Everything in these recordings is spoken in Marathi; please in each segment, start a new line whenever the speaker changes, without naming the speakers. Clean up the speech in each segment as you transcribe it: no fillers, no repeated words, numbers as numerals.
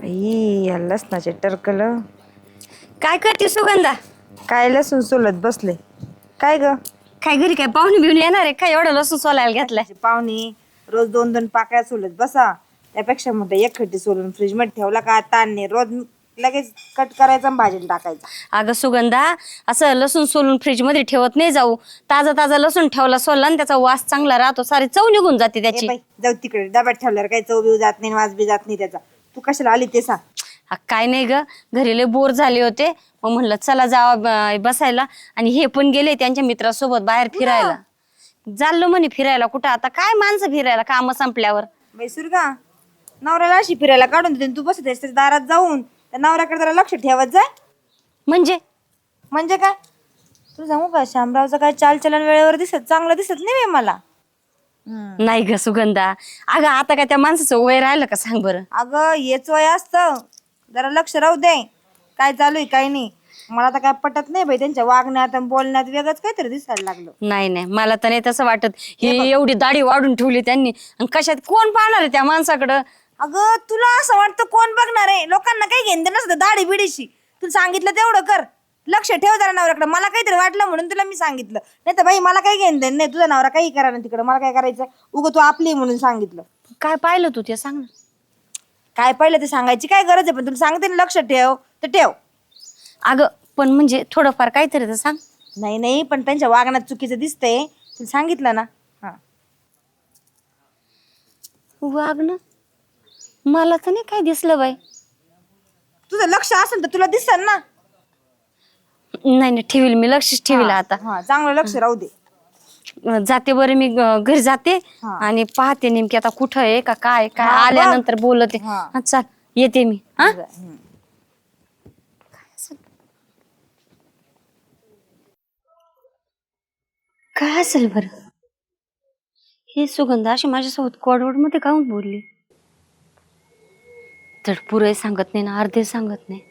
बाई या लसणाचे टरकल
काय करते सुगंधा?
काय लसूण सोलत बसले. काय ग
काय घरी काय पाहुणे बिवून येणार आहे काय एवढं लसूण सोलायला घेतलाय?
पाहुणे रोज 2-2 पाकळ्या सोलत बसा, त्यापेक्षा मग एक खड्डी सोलून फ्रीज मध्ये ठेवला का ताण नाही, रोज लगेच कट करायचा आणि भाजीला टाकायचा.
अगं सुगंधा, असं लसूण सोलून फ्रीज मध्ये ठेवत नाही जाऊ. ताजा ताजा लसूण ठेवला सोलला आणि त्याचा वास चांगला राहतो, सारी चव निघून जाते त्याची.
बाई जाऊ तिकडे, डब्यात ठेवल्यावर काही चव बिव जात नाही, वास बी जात नाही त्याचा. तू कशाला आली ते सांग.
काय नाही ग, घरी लय बोर झाले होते, मग म्हणलं चला जावा बसायला. आणि हे पण गेले त्यांच्या मित्रासोबत बाहेर फिरायला. चाललो म्हणे फिरायला. कुठं आता काय माणसं फिरायला काम संपल्यावर.
बाई सुरगा, नवऱ्याला अशी फिरायला काढून देते, तू बसत त्याच्या दारात जाऊन त्या नवऱ्याकडे जरा लक्ष ठेवत जाय.
म्हणजे
काय तू सांगू का, शामरावचं काय चालचलन वेळेवर चांगलं दिसत नाही बाई मला.
नाही ग सुगंधा, अगं आता काय त्या माणसाचं वय राहिलं का सांग बरं.
अगं हेच वय असतं, जरा लक्ष राहू दे काय चालू आहे काय नाही. मला तर काय पटत नाही बाई, त्यांच्या वागण्यात आणि बोलण्यात वेगळंच काहीतरी दिसायला लागलं.
नाही मला तर नाही तसं वाटत. ही एवढी दाढी वाढून ठेवली त्यांनी, आणि कशात कोण पाहणार आहे त्या माणसाकडं.
अगं तुला असं वाटतं कोण बघणार आहे, लोकांना काही घेणं नसतं दाढी बिडीशी. तुला सांगितलं तेवढं कर, लक्ष ठेव जरा नवऱ्याकडे. मला काहीतरी वाटलं म्हणून तुला मी सांगितलं, नाही तर बाई मला काही घेणं नाही. तुझा नवरा काही करा ना तिकडं, मला काय करायचं, उगं तू आपली म्हणून सांगितलं.
काय पाहिलं तू ते सांग ना.
काय पाहिलं ते सांगायची काय गरज आहे, पण तुला सांगते ना लक्ष ठेव तर ठेव.
अगं पण म्हणजे थोडंफार काहीतरी तर सांग.
नाही पण त्यांच्या वागण्यात चुकीचं दिसतंय, तुला सांगितलं ना. हा
वागणं मला तर नाही काय दिसलं बाई.
तुझं लक्ष असेल तर तुला दिसल ना.
नाही ठेवील मी, लक्षच ठेवील आता.
हा चांगलं लक्ष राहू दे.
जाते बरं मी घरी जाते आणि पाहते नेमकी आता कुठं आहे का काय काय. आल्यानंतर बोलते. चल येते मी. हा काय असेल बरं हे. सुगंधा अशी माझ्यासोबत कोडवड मध्ये काहून बोलली. तर पुरे सांगत नाही ना, अर्धे सांगत नाही.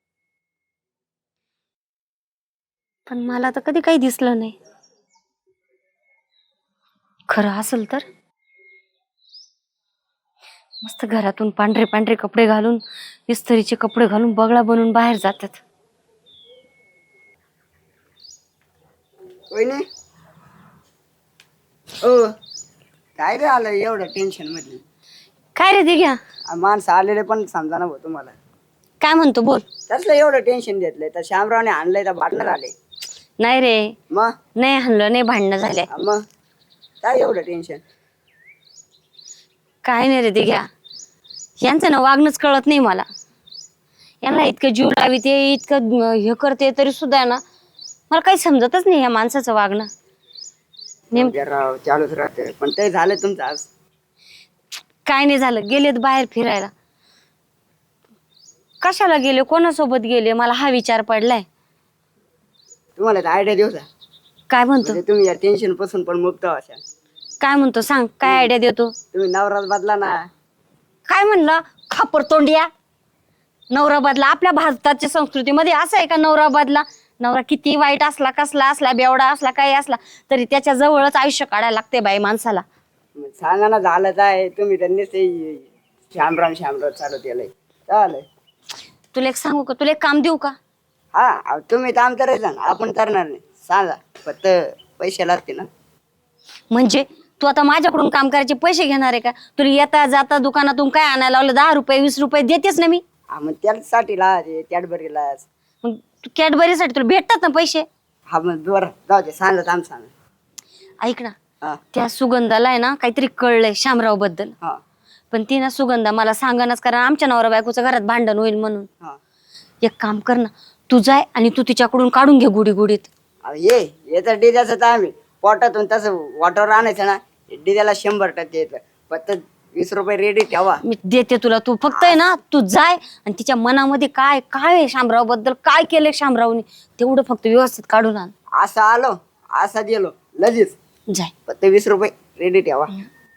पण मला तर कधी काही दिसलं नाही. खरं असेल तर मस्त घरातून पांढरे पांढरे कपडे घालून, इस्त्रीचे कपडे घालून बगळा बनून बाहेर जातात.
काय रे आलं एवढं टेन्शन मध्ये.
काय रे ते घ्या.
माणसं आलेले पण समजा ना भाऊ तुम्हाला.
काय म्हणतो बोल.
त्यातलं एवढं टेन्शन घेतलंय तर श्यामरावने आणलंय तर भांडणार आले.
नाही रे,
मग
नाही हल्लं नाही, भांडणं झाले.
मग काय एवढं टेन्शन.
काय नाही रे ते घ्या, यांचं ना वागणंच कळत नाही मला. यांना इतकं जीव लावी ते इतकं हे करते तरी सुद्धा ना मला काही समजतच नाही या माणसाचं वागणं.
राव चालूच राहते. पण ते झालं तुमचं आज.
काय नाही झालं, गेलेत बाहेर फिरायला. कशाला गेले, कोणासोबत गेले, मला हा विचार पडलाय.
तुम्हाला आयडिया देऊ का?
काय म्हणतो
म्हणजे तुम्ही या टेन्शन पासून पण मुक्त अशा.
काय म्हणतो सांग, काय आयडिया देतो.
तुम्ही नवराच बदला ना.
काय म्हणला खापर तोंडिया. नवरा बदला आपल्या भारताच्या संस्कृतीमध्ये असं आहे का नवरा बदला. नवरा किती वाईट असला, कसला असला, बेवडा असला, काही असला तरी त्याच्या जवळच आयुष्य काढायला लागते बाई माणसाला.
सांगा ना झालंच आहे. तुम्ही त्यांनीच श्यामराव चालू केलंय. चालेल.
तुला एक सांगू का, तुला एक काम देऊ का.
हा तुम्ही काम करायचं ना, आपण करणार नाही. सांगा फक्त पैसे लागते ना.
म्हणजे तू आता माझ्याकडून काम करायचे पैसे घेणार आहे का. तुला येता जाता दुकानातून काय आणायला लावलं 10 रुपये 20 रुपये देतेच ना मी.
हा मग त्यासाठी लाज कॅडबरीला.
मग कॅडबरीसाठी तुला भेटतात ना पैसे.
हा मग बरं जाऊ दे. सांगा काम सांगा.
ऐक ना, त्या सुगंधाला आहे ना काहीतरी कळलंय शामराव बद्दल. पण ती ना सुगंधा मला सांगणच, कारण आमच्या नवरा बायकोचं घरात भांडण होईल म्हणून. एक काम कर ना, तू जाय आणि तू तिच्याकडून काढून घे गुढी गुढीत.
ये तर डिद्याचं तर आम्ही पोटातून तसं वॉटर आणायचं ना. डिद्याला 100% येतं. फक्त 20 रुपये रेडी ठेवा.
मी देते तुला, तू फक्त आहे ना तू जाय आणि तिच्या मनामध्ये काय काय आहे शामराव बद्दल, काय केलंय शामरावनी तेवढं फक्त व्यवस्थित काढून आण.
असं आलो असा गेलो लगेच.
जाय.
फक्त 20 रुपये रेडी ठेवा.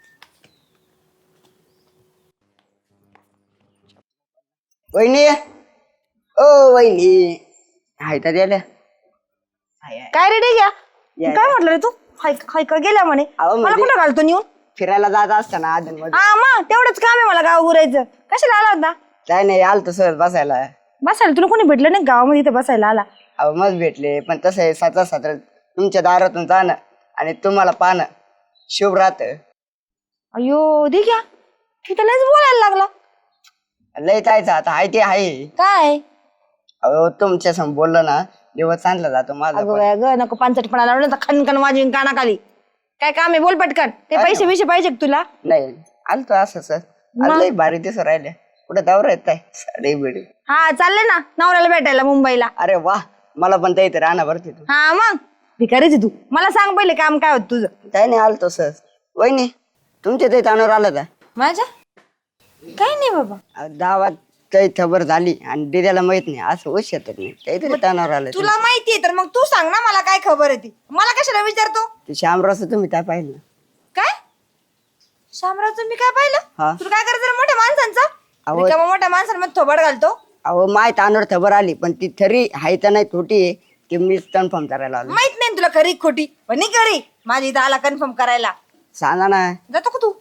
वहिनी, ओ वहिनी, हाय तर द्यायला.
काय रे घ्या, काय म्हटलं रे तू. हाय का गेल्या म्हणे. मला कुठं घालतो नेऊन.
फिरायला जात असताना आधन मध्ये.
हा मग तेवढंच काम आहे मला गाव उरायचं. कशाला आला होता.
काय नाही आलतो सहज बसायला.
बसायला तुला कोणी भेटलं नाही गावामध्ये इथं बसायला आला?
अहो मग भेटले, पण तसं आहे साचा सात्र तुमच्या दारातून जाणं आणि तुम्हाला पाहणं शुभ राहत.
अयो दे घ्या, तिथं लयच बोलायला लागला.
लय जायचं आता आहे ते आहे.
काय
अहो तुमच्या समोर बोललं ना दिवस चांगला जातो माझा
अगं
पण.
बाया ग, नको पानसटपणा लावलं तर खनखन वाजवीन कानाखाली. काय काम आहे बोल पटकन. ते पैसे बिशे पाहिजे का तुला?
नाही आलतो असं सर. लय भारी दिसू राहिले. कुठे दौरा येत आहे साडी बिडी?
हा चालले ना नवऱ्याला भेटायला मुंबईला.
अरे वा, मला पण ते इथे राहणार बरं तिथून.
हा मग भिकारीच आहे तू. मला सांग पहिले काम काय होत तुझं?
काय नाही आलतो सर. वहिनी तुमच्या ते तानावर आलं का?
माझ्या काय नाही बाबा.
गावात काही खबर झाली आणि दिद्याला माहित नाही असं होऊ शकत नाही. काहीतरी तानावर आलं.
तुला माहितीये तर मग तू सांग ना मला काय खबर आहे ती. मला कशाला विचारतो?
ते श्यामरावचं तुम्ही काय पाहिलं?
काय शामरावचं मी काय
हा.
पाहिलं? तुला काय करायचं रे मोठ्या माणसांचा?
अहो.
रिकामा मोठ्या माणसांमध्ये थोबड घालतो.
अहो माय तानावर खबर आली पण ती खरी हाय तर नाही खोटी आहे की मीच कन्फर्म करायला आलो.
माहित नाही तुला खरी खोटी, पण नाही खरी. माझी इथं आला कन्फर्म करायला.
सांगा ना.
जातो का तू?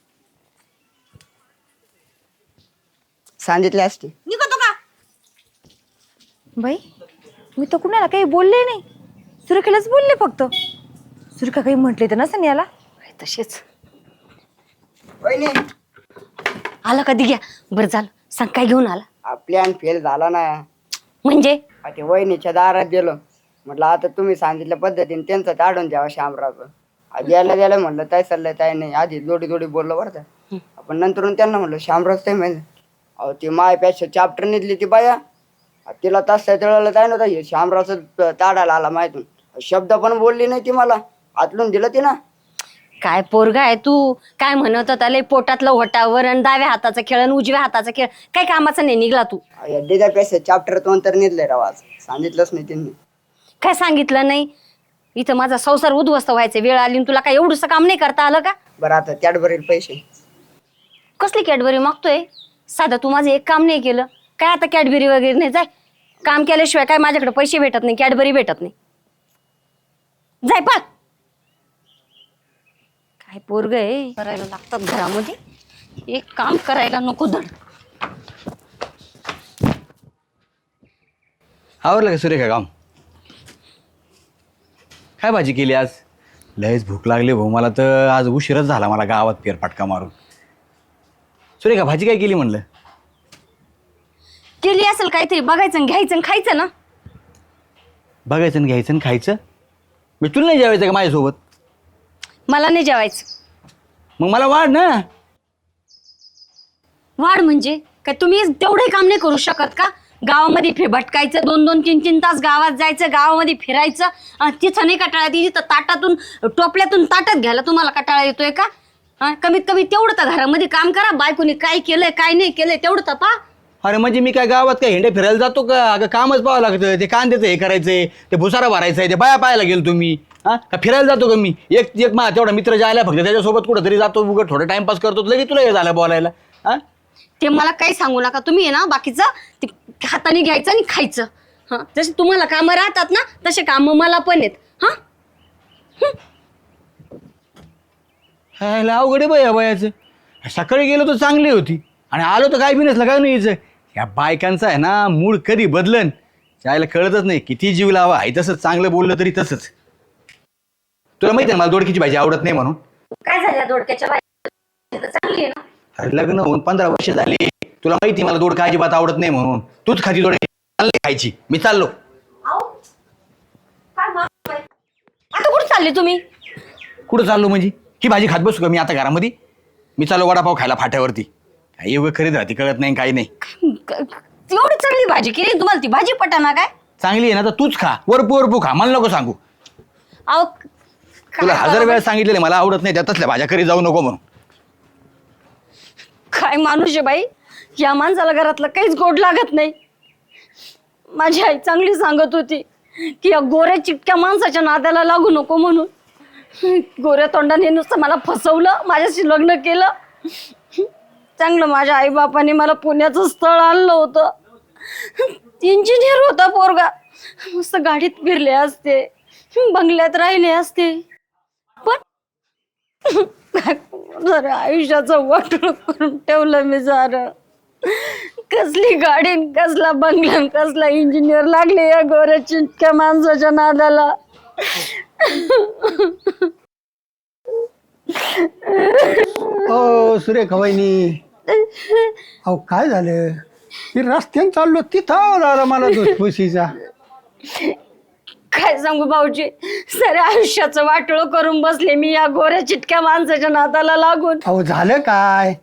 सांगितले असते.
निघतो का? बाई मी तर कुणाला काही बोलले नाही. सुरेखालाच बोलले फक्त. सुरेखा काही म्हटले तर नसेल याला.
तसेच
वहिनी
आला कधी घ्या. बरं झालं, सांग काय घेऊन आला?
प्लॅन फेल झाला ना.
म्हणजे
ते वहिनीच्या दारात गेलो. म्हटलं आता तुम्ही सांगितल्या पद्धतीने त्यांचं ताडून द्यावा श्यामरावचं. द्यायला द्यायला म्हणलं काय चाललंय काय नाही. आधी जोडी जोडी बोललो बरं का. आपण नंतर त्यांना म्हणलं श्यामराव ते माहिती. अहो ती मायपेक्षा चॅप्टर निघली ती बाया. तिला तास तळाला जाय नव्हता. हे श्यामरावचं ताडायला आला माहितून. शब्द पण बोलली नाही ती मला. आतलून दिलं ती ना.
काय पोरगा आहे तू? काय म्हणत होता लय पोटातलं होटावर आणि डाव्या हाताचा खेळ आणि उजव्या हाताचा खेळ. काय कामाचा नाही निघला तू?
दिद्यापेक्षा चॅप्टर तो तर निघले राव. आज सांगितलंच नाही त्यांनी.
काय सांगितलं नाही? इथं माझा संसार उद्ध्वस्त व्हायचा वेळ आली आणि तुला काय एवढंसं काम नाही करता आलं का?
बरं आता कॅडबरील पैसे.
कसली कॅडबरी मागतोय? साधं तू माझं एक काम नाही केलं काय? आता कॅडबरी वगैरे नाही. जाय, काम केल्याशिवाय काय माझ्याकडे पैसे भेटत नाही, कॅडबरी भेटत नाही. जाय पळ. काय पोरग आहे, करायला लागतात घरामध्ये. एक काम करायला नको धड.
आवरलं का सुरेखा काम? काय भाजी केली आज? लयच भूक लागली भाऊ मला तर. आज उशीरच झाला मला गावात फेरफटका मारून. सुरेखा भाजी काय केली म्हणलं?
केली असेल काहीतरी, बघायचं आणि घ्यायचं आणि खायचं ना.
बघायचं आणि घ्यायचं आणि खायचं. मी तुला नाही जेवायचं का माझ्यासोबत?
मला नाही जेवायचं.
मग मला वाढ ना.
वाढ म्हणजे काय? तुम्ही तेवढे काम नाही करू शकत का? गावामध्ये भटकायचं, 2-2, 3-3 तास गावात जायचं, गावामध्ये फिरायचं. तिथं नाही कटाळा येते? तिथं ताटातून टोपल्यातून ताटात घ्यायला तुम्हाला कटाळा येतोय का? कमीत कमी तेवढं तर घरामध्ये काम करा. बायकोनी काय केलंय काय नाही केलंय तेवढं तर पहा.
अरे म्हणजे मी काय गावात काय हिंडे फिरायला जातो का? अगं कामच पाहावं लागतं. ते कांद्याचं हे करायचंय, ते भुसारा भरायचंय, ते बाया पाहायला गेलो तुम्ही. का फिरायला जातो का मी? एक एक मा तेवढा मित्र जायला फक्त त्याच्यासोबत कुठं तरी जातो, उगं थोडं टाइमपास करतो. लगेच तुला हे झालं बोलायला.
ते मला काही सांगू नका तुम्ही. आहे ना बाकीचं ते हाताने घ्यायचं आणि खायचं. जसे तुम्हाला कामं राहतात ना तसे कामं मला पण आहेत.
अवघड आहे बाया बायाचं. सकाळी गेलो तर चांगली होती आणि आलो तर काय बी नसलं काय नाही यायचं. ह्या बायकांचा आहे ना मूड कधी बदलन त्याला कळतच नाही. किती जीव लावा आहे तसंच, चांगलं बोललं तरी तसंच. तुला माहिती आहे मला दोडकीची भाजी आवडत नाही म्हणून.
काय झालं दोडक्याच्या भाजी चांगली आहे ना.
अरे लग्न होऊन 15 वर्ष झाली. तुला माहिती मला दोडका अजिबात आवडत नाही म्हणून. तूच खाती दोडकी खायची. मी चाललो.
आता कुठं चालले तुम्ही?
कुठं चाललो म्हणजे? ही भाजी खात बसू का मी आता घरामध्ये? मी चाललो वडापाव खायला फाट्यावरती. काही एवढं खरीद राहते कळत नाही काही नाही.
एवढी चांगली भाजी केली तुम्हाला, ती भाजी पटाना काय?
चांगली आहे ना तर तूच खा. वरपू वरपू खा, मला नको सांगू.
अहो
तुला 1000 वेळा सांगितलेलं मला आवडत नाही त्या तसल्या भाज्या करी जाऊ नको म्हणून.
काय माणूस आहे बाई. या माणसाला घरातलं काहीच गोड लागत नाही. माझी आई चांगली सांगत होती की या गोऱ्या चिटक्या माणसाच्या नादाला लागू नको म्हणून. गोऱ्या तोंडाने नुसतं मला फसवलं, माझ्याशी लग्न केलं. चांगलं माझ्या आईबापाने मला पुण्याचं स्थळ आणलं होतं. इंजिनियर होता पोरगा. मस्त गाडीत फिरले असते, बंगल्यात राहिले असते. पण जरा आयुष्याचं वाटोळं करून ठेवलं मी. सारं कसली गाडी न कसला बंगला न कसला इंजिनियर लागले या गोऱ्या चिंटक्या माणसाच्या नादाला.
ओ सुरेखा वहिनी, अहो काय झालं? मी रस्त्याने चाललो तिथं आला मला धुसफुशीचा.
काय सांगू भाऊजी, साऱ्या आयुष्याचं वाटोळं करून बसले मी या गोऱ्या चिटक्या माणसाच्या नादाला लागून.
अहो झालं काय?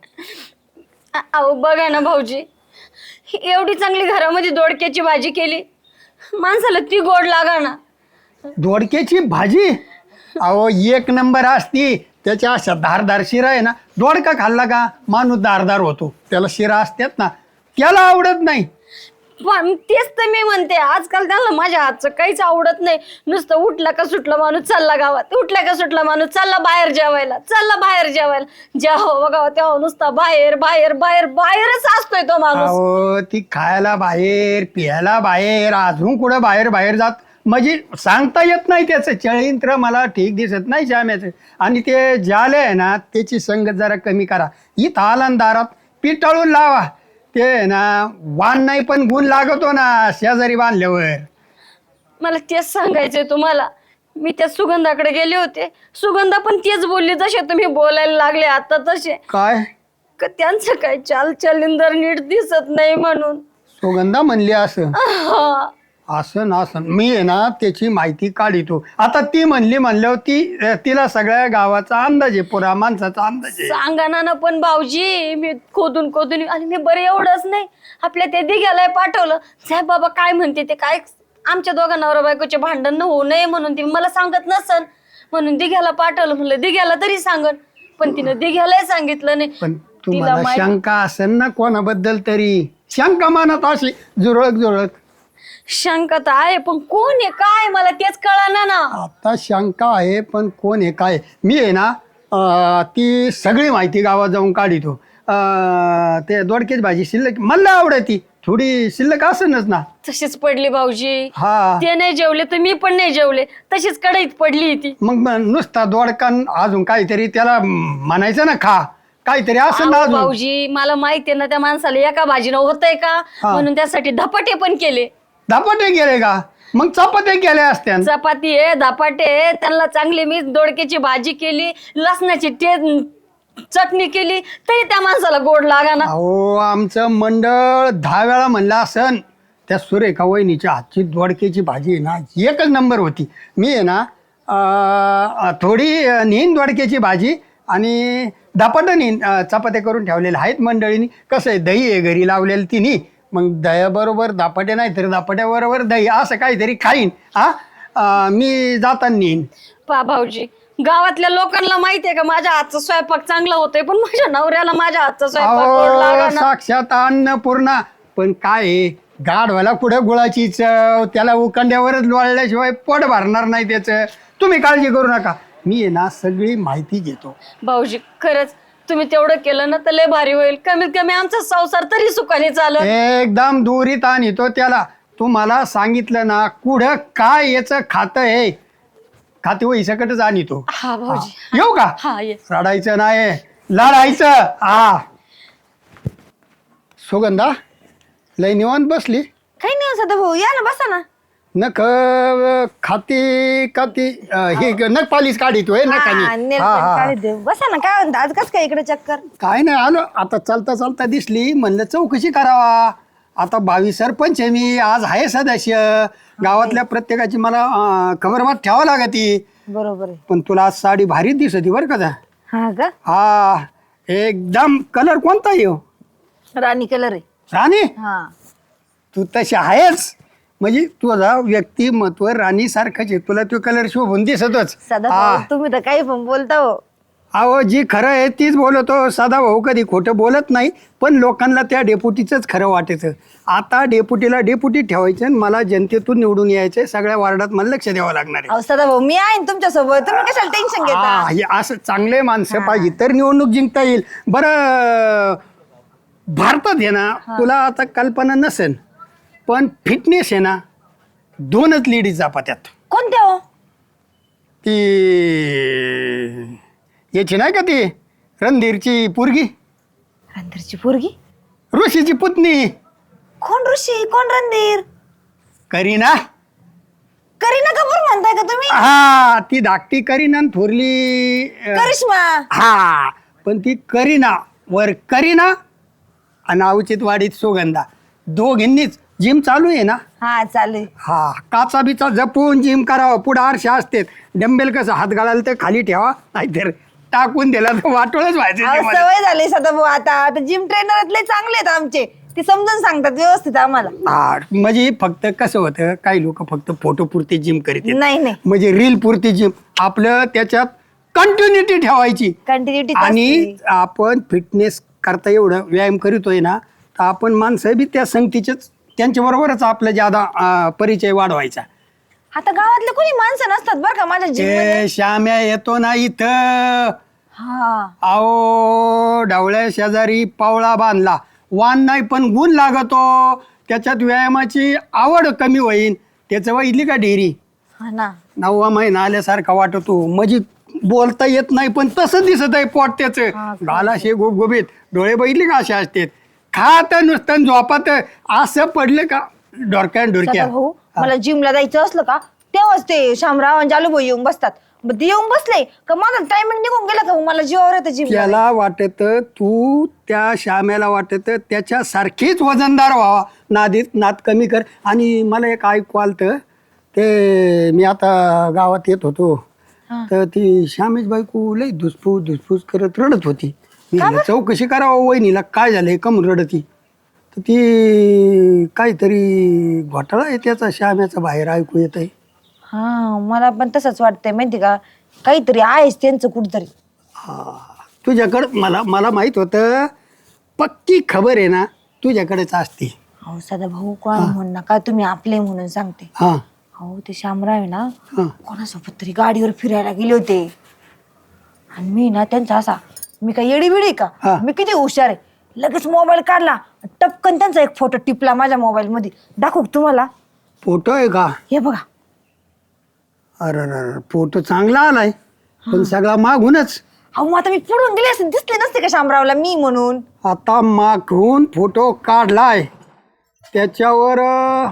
अहो बघा ना भाऊजी, एवढी चांगली घरामध्ये दोडक्याची भाजी केली, माणसाला ती गोड लागा ना.
दोडक्याची भाजी अहो एक नंबर असती. त्याच्या अशा धारदार शिरा आहे ना, दोडका खाल्ला का माणूस धारदार होतो. त्याला शिरा असतात ना, त्याला आवडत नाही.
पण तेच तर मी म्हणते, आजकाल त्यांना माझ्या हातचं काहीच आवडत नाही. नुसतं उठला का सुटला माणूस चालला गावात, उठला का सुटला माणूस चालला बाहेर जेवायला, चालला बाहेर जेवायला. जेव्हा बघावं तेव्हा नुसता बाहेर बाहेर बाहेर बाहेरच असतोय तो माणूस.
अहो ती खायला बाहेर, पियाला बाहेर, अजून कुठं बाहेर बाहेर जात म्हणजे सांगता येत नाही. त्याचं चळींत्र मला ठीक दिसत नाही श्याम्याचं. आणि ते जाले आहे ना, त्याची संगत जरा कमी करा. इथं आला न दारात पिटाळून लावा. ते ना वाण नाही पण गुण लागतो ना शेजारी बांधल्यावर.
मला तेच सांगायचंय तुम्हाला. मी त्या सुगंधाकडे गेले होते, सुगंधा पण तेच बोलली जसे तुम्ही बोलायला लागले आता तसे.
काय
का त्यांचं काय चालचलिंदर नीट दिसत नाही म्हणून.
सुगंधा म्हणली असं?
हा.
असं ना असं मी आहे ना त्याची माहिती काढितो. आता ती म्हणली म्हणल्यावर तिला सगळ्या गावाचा अंदाज आहे, पुरा माणसाचा अंदाज आहे.
सांगा ना पण भाऊजी, मी खोदून खोदून आणि मी बरं एवढंच नाही, आपल्या ते दिघ्याला पाठवलं. साहेब बाबा काय म्हणते ते, काय आमच्या दोघा नवरा बायकोचे भांडण न होऊ नये म्हणून ती मला सांगत नसन म्हणून दिघ्याला पाठवलं. म्हणलं दिघ्याला तरी सांगन, पण तिनं दिघ्यालाही सांगितलं नाही.
पण तुम्हाला शंका असेल ना कोणाबद्दल तरी? शंका मानत अशी जुरळक जुरळक.
शंका तर आहे, पण कोण आहे काय मला तेच कळना ना.
आता शंका आहे पण कोण आहे काय? मी आहे ना ती सगळी माहिती गावात जाऊन काढितो. ते दोडक्याची भाजी शिल्लक मला आवडती, थोडी शिल्लक असेलच ना.
तशीच पडली भाऊजी.
हा
ते नाही जेवले तर मी पण नाही जेवले, तशीच कढईत पडली ती.
मग नुसता दोडकान अजून काहीतरी त्याला म्हणायचं ना खा, काहीतरी असेल ना
अहो
अजून.
भाऊजी मला माहितीये ना त्या माणसाला एका भाजीनं होतंय का, म्हणून त्यासाठी धपाटे पण केले.
धपाटे गेले का? मग चपात्या केल्या असत्या.
चपाती आहे, धपाटे आहे, त्यांना चांगली मी दोडक्याची भाजी केली, लसणाची चटणी केली, तरी त्या माणसाला गोड लागा ना.
अहो आमचं मंडळ 10 वेळा म्हणलं असन. त्या सुरेखा वहिनीच्या हातची दोडक्याची भाजी आहे ना एकच नंबर होती. मी आहे ना थोडी नेईन दोडक्याची भाजी आणि धपाटं नेईन. चपात्या करून ठेवलेल्या आहेत मंडळीनी. कसं आहे दही आहे घरी लावलेलं तिने, मग दह्याबरोबर धपाटे नाही तर धपाट्याबरोबर दही असं काहीतरी खाईन. मी जाताना नेईन.
पा भाऊजी, गावातल्या लोकांना माहितीये का माझ्या हातचा स्वयंपाक चांगला होतोय, पण माझ्या नवऱ्याला माझ्या हातचा स्वयंपाक गोड
अहो
लागाना.
साक्षात अन्नपूर्णा. पण काय आहे, गाढवाला कुठं गुळाची चव, त्याला उकंड्यावरच लोळल्याशिवाय पोट भरणार नाही त्याचं. तुम्ही काळजी करू नका, मी आहे ना सगळी माहिती घेतो.
भाऊजी खरंच तुम्ही तेवढं केलं ना तर लय भारी होईल. कमीत कमी आमचा संसार तरी सुखाने चालत.
एकदम दुरीत आणतो त्याला. तुम्हाला सांगितलं ना कुठं काय याचं खातं आहे, खाते वही सकटच आणतो.
हा भाऊजी.
येऊ का?
हा ये.
रडायचं नाही, लढायचं. सुगंधा लय निवांत बसली.
काही नाही सदा भाऊ, या ना बसा ना.
नख खाती काती हे नख पालिश काढितोय
हा,
नखानी.
नेल पेंट काढी देऊ. बसा ना. काय म्हणता आज कसं काय इकडे चक्कर?
काय नाही आलो आता चालता चालता दिसली म्हणलं चौकशी करावा. आता 22 सरपंच आहे मी, आज आहे सदस्य. गावातल्या प्रत्येकाची मला खबरबात ठेवावं लागती.
बरोबर आहे.
पण तुला आज साडी भारीच दिसती बरं का?
हा का?
हा एकदम. कलर कोणता येऊ?
राणी कलर आहे.
राणी?
हा
तू तशी आहेच, म्हणजे तुझा व्यक्तिमत्व राणी सारखंच आहे. तुला तो कलर शोभून दिसतच.
सदा भाऊ तुम्ही तर काही पण बोलता हो.
अहो जी खरं आहे तीच बोलतो. सदा भाऊ कधी खोटं बोलत नाही, पण लोकांना त्या डेपुटीचंच खरं वाटायचं. आता डेपुटीला डेपुटी ठेवायचं आणि मला जनतेतून निवडून यायचंय. सगळ्या वार्डात मला लक्ष द्यावं लागणार आहे.
अहो सदा भाऊ मी आहे तुमच्या सोबत, तुम्ही कशाला टेन्शन घेता?
हे असं चांगले माणसं पाहिजे तर निवडणूक जिंकता येईल. बरं भारतात आहे ना, तुला आता कल्पना नसेल पण फिटनेस आहे ना 2च लेडीज जापात्यात.
कोणत्या हो?
ती याची नाही का ती रणधीरची पोरगी?
रणधीरची पोरगी?
ऋषीची पुतणी
कोण ऋषी कोण रणधीर?
करीना.
करीना कपूर म्हणताय का तुम्ही?
हा ती धाकटी करीना आणि थोरली
करिश्मा.
हा पण ती करीना वर करीना आणि अवचित वाडीत सुगंधा दोघींनीच जिम चालू आहे ना.
हा चालेल.
हा काचा बिचा जपून जिम करावं. पुढे आरशे असते डंबेल कसं हात घालायला तर खाली ठेवा नाहीतर टाकून दिला तर वाटोळच व्हायचं
अहो,
जिममध्ये.
सवय झाली सदाभाऊ. आता जिम ट्रेनर लय चांगले आहेत आमचे, ते समजून सांगतात व्यवस्थित आम्हाला.
हा म्हणजे फक्त कसं होतं काही लोक फक्त फोटो पुरते जिम करीत आहेत.
नाही नाही,
म्हणजे रील पुरती जिम आपलं त्याच्यात कंटिन्युटी ठेवायची.
कंटिन्युटी.
आणि आपण फिटनेस करता एवढं व्यायाम करीतोय ना तर आपण माणसं बी त्या संगतीचेच त्यांच्या बरोबरच आपलं ज्यादा परिचय वाढवायचा.
आता गावातले कोणी माणसं नसतात बरं का माझ्या जिम मध्ये.
ते श्याम्या येतो ना इथं.
हा
आओ ढवळ्या शेजारी पावळा बांधला वान नाही पण गुण लागतो. त्याच्यात व्यायामाची आवड कमी होईल. त्याचं वैदली का ढेरी
हा ना.
9वा महिना आल्यासारखा वाटतो. म्हणजे बोलता येत नाही पण तसं दिसत आहे पोट त्याचं. गालाशे गुबगुबीत डोळे बघितले का असे असतात. खात नुसतं झोपात असं पडलं का डोरक्यान डोरक्या.
भाऊ मला जिमला जायचं असलं का तेव्हाच ते शामराव आणि जालूभाऊ येऊन बसतात. मग ते येऊन बसले का माझा टायमिंग निघून गेला का मग मला जीवावर येतं जिम.
त्याला वाटत तू त्या श्याम्याला वाटत त्याच्यासारखीच वजनदार व्हावा. नाद कमी कर. आणि मला एक ऐकू आलतं ते मी आता गावात येत होतो तर ती श्यामेश बायको लई धुसफूस करत रडत होती. मी म्हणलं, चौकशी करावं वहिनीला काय झालंय कम रडती. तर ती काहीतरी घोटाळा आहे त्याचा श्याम्याचा बाहेर ऐकू येत आहे.
हा मला पण तसंच वाटतंय माहिती का, काहीतरी आहेच त्यांचं कुठतरी.
तुझ्याकडं मला माहित होतं पक्की खबर आहे ना तुझ्याकडेच असते.
अहो सदाभाऊ कोण म्हणू नका तुम्ही आपले म्हणून सांगते.
हा
अहो ते शामराव आहे ना
हा
कोणासोबत तरी गाडीवर फिरायला गेले होते आणि मी ना त्यांचा असा, मी काय येडी बिडी
हा.
का, मी किती हुशार आहे. लगेच मोबाईल काढला टपकन त्यांचा एक फोटो टिपला माझ्या मोबाईल मध्ये. दाखवू का तुम्हाला?
फोटो आहे का?
हे बघा.
अरे फोटो चांगला आलाय पण सगळा मागूनच.
अहो मग आता मी पुढून गेले असते दिसले नसते का शामरावला मी म्हणून.
आता मागून फोटो काढलाय त्याच्यावर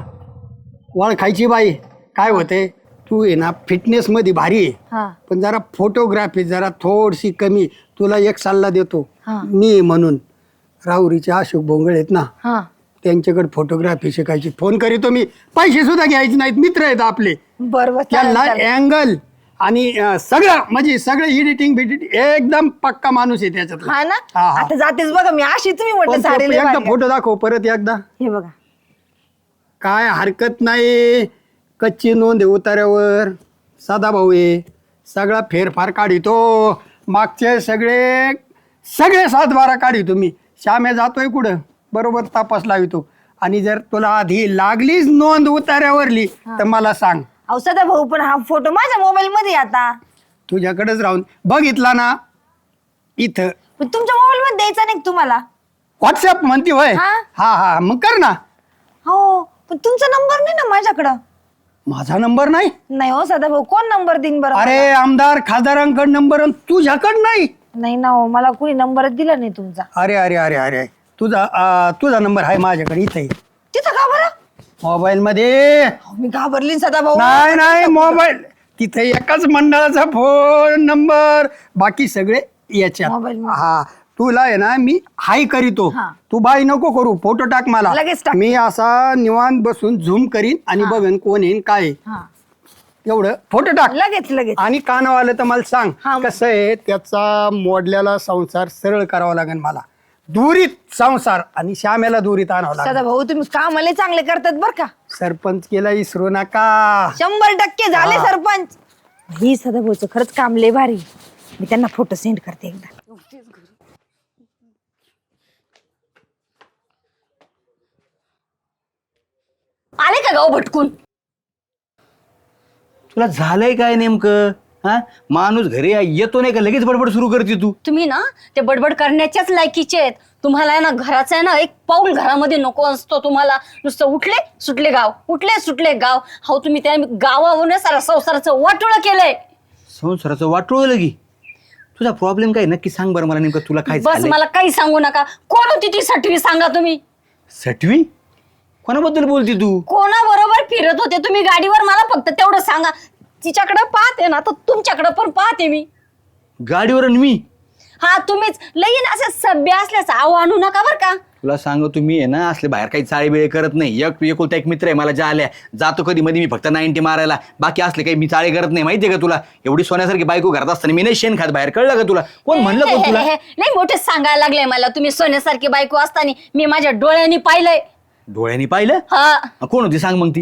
ओळखायची बाई. काय होते तू आहे ना फिटनेस मध्ये भारी आहे
हा
पण जरा फोटोग्राफी जरा थोडीशी कमी. तुला एक सल्ला देतो
हा.
मी म्हणून राहुरीचे अशोक भोंगळे आहेत ना
हा
त्यांच्याकडे फोटोग्राफी शिकायची. फोन करीतो मी. पैसे सुद्धा घ्यायचे नाहीत. मित्र आहेत आपले.
बरोबर.
त्यांना अँगल आणि सगळं म्हणजे सगळं एडिटिंग बिडिटिंग एकदम पक्का माणूस आहे त्याच्यात.
हा ना.
हा, हा.
आता जातेच बघा मी अशी तुम्ही म्हटलं साडे लय
एकदा
भारी
फोटो दाखव परत एकदा.
आहे. हे बघा.
काय हरकत नाही. कच्ची नोंद आहे उतार्यावर. सदाभाऊ आहे. सगळा फेरफार काढितो. मागचे सगळे 7-12 काढितो मी. श्याम्या जातोय कुठं बरोबर तपास लावितो. आणि जर तुला आधी लागलीच नोंद उतार्यावरली तर मला सांग.
अहो सदाभाऊ पण हा फोटो माझ्या मोबाईल मध्ये आहे आता.
तुझ्याकडेच राहून बघितला ना इथं.
पण तुमच्या मोबाईल मध्ये द्यायचा नाही का तुम्हाला?
व्हॉट्सअप म्हणते होय.
हा.
हा मग कर ना.
हो पण तुमचा नंबर नाही ना माझ्याकडं.
माझा नंबर नाही.
नाही हो सदाभाऊ कोण नंबर देईन बरं.
अरे आमदार खासदारांकडे नंबर तुझ्याकडे नाही.
नाही ना हो मला कुणी नंबरच दिला नाही तुमचा.
अरे अरे अरे अरे तुझा नंबर आहे माझ्याकडे इथे
तिथं का बरं?
मोबाईल मध्ये.
अहो, मी घाबरली सदाभाऊ.
नाही मोबाईल तिथे एकाच मंडळाचा फोन नंबर बाकी सगळे याच्यात.
मोबाईल मध्ये.
हा तुला आहे ना मी हाय करीतो.
हा.
तू बाय नको करू. फोटो टाक मला.
लगेच टाक.
मी असा निवांत बसून झूम करीन आणि बघेन कोण येईन काय आहे.
हा
एवढं फोटो टाक.
लगेच.
आणि कानावालं तर मला सांग
हा.
कसं आहे त्याचा मोडल्याला संसार सरळ करावा लागेल मला. दुरीत संसार आणि श्यामेला दुरीत आणावं लागेल.
सदाभाऊ तुम्ही कामाले चांगले करतात बर का.
सरपंच केला इसरू नका.
100% झाले
हा.
सरपंच. ही सदाभाऊचं खरंच काम लय भारी. मी त्यांना फोटो सेंड करते एकदा.
आले का गाव भटकून?
तुला झालंय काय नेमकं? हा माणूस घरी येतो नाही का लगेच बडबड सुरू करते तू.
तुम्ही ना ते बडबड करण्याच्याच लायकीचे आहेत. तुम्हाला आहे ना घराचं आहे ना एक पाऊल घरामध्ये नको असतो. तुम्हाला नुसतं उठले सुटले गाव. हो तुम्ही त्या गावावरून सारा संसाराचं वाटोळं केलंय.
संसाराचं वाटोळं लगी. तुझा प्रॉब्लेम काय नक्की सांग बरं मला, नेमकं तुला काय
बस
झालंय?
मला काही सांगू नका. कोण होती ती 6वी सांगा तुम्ही.
सटवी कोणाबद्दल बोलती तू?
कोणाबरोबर फिरत होते तुम्ही गाडीवर मला फक्त तेवढं सांगा. तिच्याकडे पाहते ना तर तुमच्याकडे पण पाहते मी.
गाडीवर आणि मी
हा तुम्हीच लईन असं सभ्य असल्याचं आव आणू नका बर का.
तुला सांगतो तुम्ही आहे ना असले बाहेर काही चाळी बिळे करत नाही. एकुलता एक मित्र आहे मला, ज्या आल्या जातो कधी मध्ये मी फक्त 90 मारायला, बाकी असले काही मी चाळी करत नाही. माहितीये का तुला? एवढी सोन्यासारखी बायको घरात असताना मी नाही शेण खात बाहेर, कळलं का तुला? कोण म्हणलं कोण तुला?
लई मोठे सांगायला लागले मला तुम्ही. सोन्यासारखी बायको असताना मी माझ्या डोळ्यांनी पाहिलंय.
डोळ्यांनी पाहिलं?
हा
कोण होती सांग मग ती,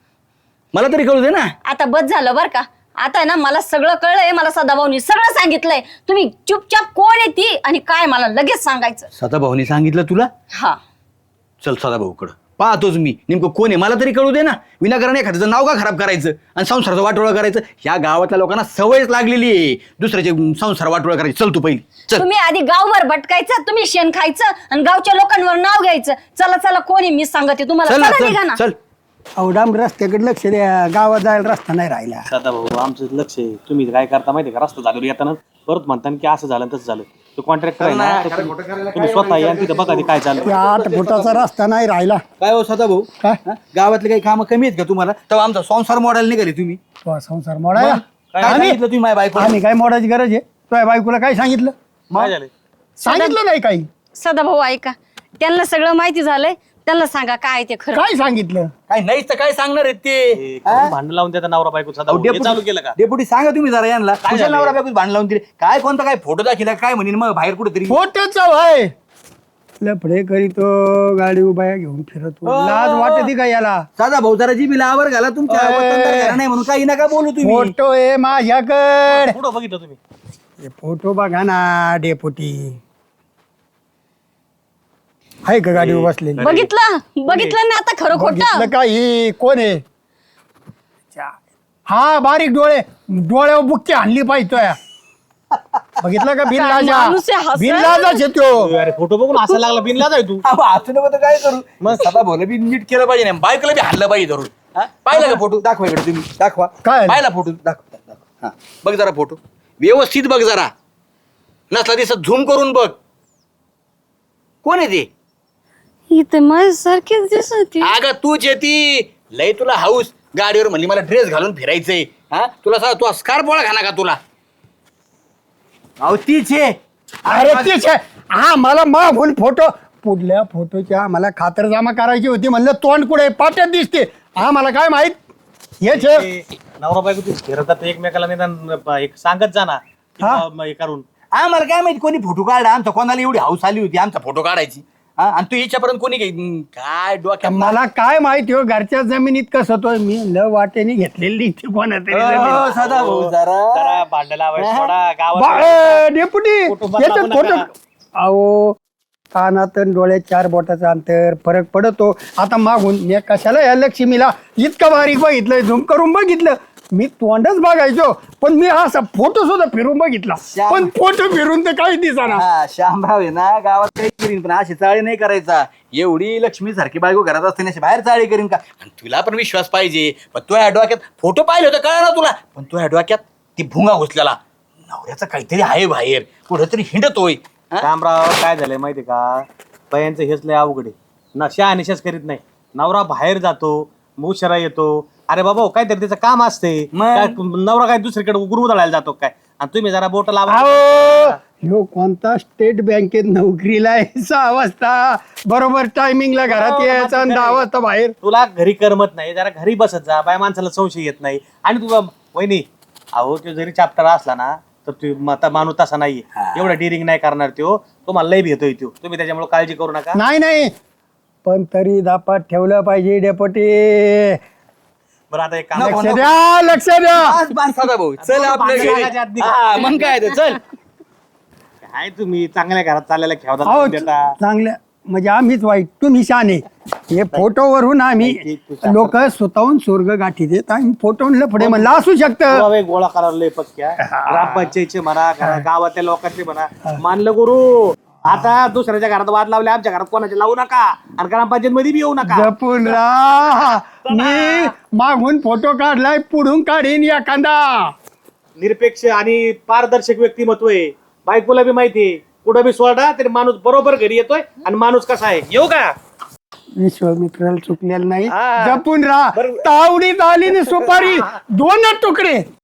मला तरी कळू दे ना.
आता बस झालं बर का. आता ना मला सगळं कळलंय. मला सदाभाऊनी सगळं सांगितलंय. तुम्ही चुपचाप कोण आहे ती आणि काय मला लगेच सांगायचं.
सदाभाऊनी सांगितलं तुला?
हा
चल सदाभाऊकडं पाहतोच मी नेमकं कोण आहे, मला तरी कळू दे ना. विनाकारण एखाद्याचं नाव का खराब करायचं आणि संसाराचं वाटोळं करायचं? ह्या गावातल्या लोकांना सवयच लागलेली आहे दुसऱ्याचे संसार वाटोळं करायची. चल तू पहिली चल.
तुम्ही आधी गावभर भटकायचं, तुम्ही शेण खायचं आणि गावच्या लोकांवर नाव घ्यायचं. चला चला कोणी मी सांगते तुम्हाला.
चल ना,
चला निघा ना.
चल चल.
अवडाम रस्त्याकडे लक्ष द्या, गावात जायला रस्ता नाही राहिला.
दादा भाऊ आमचं लक्ष आहे. तुम्ही काय करता माहिती का, रस्ता झाल्यावर येताना परत म्हणता की असं झालं तसं झालं. तो कॉन्ट्रॅक्टर आहे ना, तुम्ही स्वतः या तिथं बघा ते काय चाललं.
8 फुटाचा रस्ता नाही राहिला.
काय हो सदाभाऊ,
काय
हा? गावातले काही कामं कमी आहेत का तुम्हाला? तेव्हा आमचा संसार मॉडेल निघाले तुम्ही.
तो संसार मोडायला
काय सांगितलं तुम्ही माझ्या बायको?
आम्ही काय मोडायची गरज आहे? तुझ्या बायकोला काय सांगितलं?
काय झालं?
सांगितलं नाही काही.
सदाभाऊ ऐका, त्यांना सगळं माहिती झालंय. त्यांना सांगा काय ते खरं.
काय सांगितलं?
काय नाहीच तर काय सांगणार आहेत ते?
भांडण लावून देता नवरा बायको सदा हे चालू केलं का?
डेपुटी सांगा तुम्ही जरा यांना. कुशल नवरा बायको भांडण लावून दिले काय? कोणता काय फोटो दाखिला काय म्हणेन मग बाहेर कुठेतरी?
फोटोच आहे. लफडे करीतो, गाडी उभ्या घेऊन फिरतो. लाज वाटते का याला?
साधा भाऊ जरा जी बिला आवर घाला तुमच्या वतनदार घरा नाही म्हणून काही नका बोलू तुम्ही.
फोटो आहे माझ्याकडे.
पुढं बघितलं तुम्ही?
हे फोटो बघा ना डेपुटी. आहे का गाडी बसलेली?
बघितलं ना आता खरं खोटं.
बघितलं का? ही कोण आहे? हा बारीक डोळे, डोळ्यावर बुक्की आणली पाहिजे. बघितलं का?
माणूस आहे, हसत.
बिनलाजाच येतो.
अरे फोटो बघून असं लागला बिनला जाय तू.
असं नको तर काय करू? मग सदा भाऊला बी नीट केलं पाहिजे ना, बायकोला बी हाणलं पाहिजे धरून. हा? पाहिलं का फोटो? दाखवा इकडे तुम्ही, दाखवा.
काय?
पाहिला फोटो? दाखवा. हा बघ जरा फोटो व्यवस्थित बघ जरा, नसला दिसत झूम करून बघ. कोण आहे ते?
इथे माझ्यासारखीच दिसत.
अगं तूच येती. लय तुला हाऊस गाडीवर म्हणली मला ड्रेस घालून फिरायचंय. हा तुला सांग, तू स्कार्फ पोळा घाना का तुला? अहो तीच आहे.
अरे तेच आहे. हा मला मागून फोटो, पुढल्या फोटोच्या मला खातरजमा करायची होती. म्हणलं तोंड कुठे पाट्यात दिसते. हा मला काय माहित. हेच आहे.
ते नवरा बायको ते फिरतात एकमेकाला निदान एक सांगत जा ना की
हा?
बा हे करून.
आम्हाला काय माहिती कोणी फोटो काढला आमचा, कोणाला एवढी हाऊस आली होती आमचा फोटो काढायची. हा आणि तू याच्यापर्यंत कोणी काय डोक्यात
मला काय माहिती हो घरच्या जमिनीत कसं तो मी ल वाटेने घेतलेली ती कोणातरी जमीन.
सदा भाऊ जरा
जरा भांडण लावायचं थोडा गावात.
डेपुटी
फोटो बदला
याच्यात
नका.
फोटो अहो कानात आणि डोळ्यात 4 बोटाचं अंतर फरक पडतो. आता मागून मी कशाला या लक्ष्मीला इतकं बारीक बघितलं, झूम करून बघितलं. मी तोंडच बघायचो पण मी असा फोटो सुद्धा फिरून बघितला. पण फोटो फिरून तर काही दिसाना.
हा श्यामराव आहे ना गावात काही करीन पण अशी चाळी नाही करायचा. एवढी लक्ष्मी सारखी बायको घरात असते अशी बाहेर चाळी करीन का? आणि तुला पण विश्वास पाहिजे. पण तुझ्या डोक्यात फोटो पाहिले होतं कळा ना तुला, पण तुझ्या डोक्यात ती भुंगा घुसलेला नवऱ्याचं काहीतरी आहे बाहेर कुठेतरी हिंडतोय.
रामराव काय झालंय माहिती का, बायांचं हेच लय अवघड आहे ना. शहानिशाच करीत नाही. नवरा बाहेर जातो, उशिरा येतो. अरे बाबा काहीतरी त्याचं काम असते. काय नवरा काय दुसरीकडे गुरुदळायला जातो काय? आणि तुम्ही जरा बोट लावा.
ह्यो कोणता स्टेट बँकेत नोकरीला आहे. 6 वाजता बरोबर टायमिंगला घरात यायचं आणि 10 वाजता बाहेर.
तुला घरी करमत नाही, जरा घरी बसत जा. बाय माणसाला संशय येत नाही. आणि तुला वहिनी अहो तो जरी चॅप्टर असला ना तर तू आता माणूस तसा नाहीये. एवढा डिरिंग नाही करणार तो. तुम्हाला लय भेटतोय तो. तुम्ही त्याच्यामुळे काळजी करू नका.
नाही पण तरी दापात ठेवलं पाहिजे डेपुटी.
बरं आता एक काम
लक्ष द्या लक्ष द्या.
सदा भाऊ चल आपल्या घरी. हा, मग काय ते, चल.
काय तुम्ही चांगल्या घरात चाललेला
अहो
खेळता देता.
चांगल्या म्हणजे आम्हीच वाईट तुम्ही शाने. हे फोटोवरून आम्ही लोक स्वतःहून स्वर्ग गाठी देत आणि फोटोवरून पुढे म्हणलं असू शकतं.
पुरावे गोळा करायला लय पक्क्या. ग्रामपंचायतचे म्हणा गावातल्या लोकांचे म्हणा मानलं गुरु. आता दुसऱ्याच्या घरात वाद लावले, आमच्या घरात कोणाचे लावू नका. आणि ग्रामपंचायत मध्ये बी येऊ नका.
जपून राहा. मी मागून फोटो काढलाय पुढून काढीन एखादा.
निरपेक्ष आणि पारदर्शक व्यक्तिमत्व आहे. बायकोला बी माहिती कुठं बी सोडा तरी माणूस बरोबर घरी येतोय आणि माणूस कसा आहे. येऊ का?
विश्वामित्राला चुकलेलं नाही जपून राहा. तावडीत आली ना सुपारी 2 तुकडे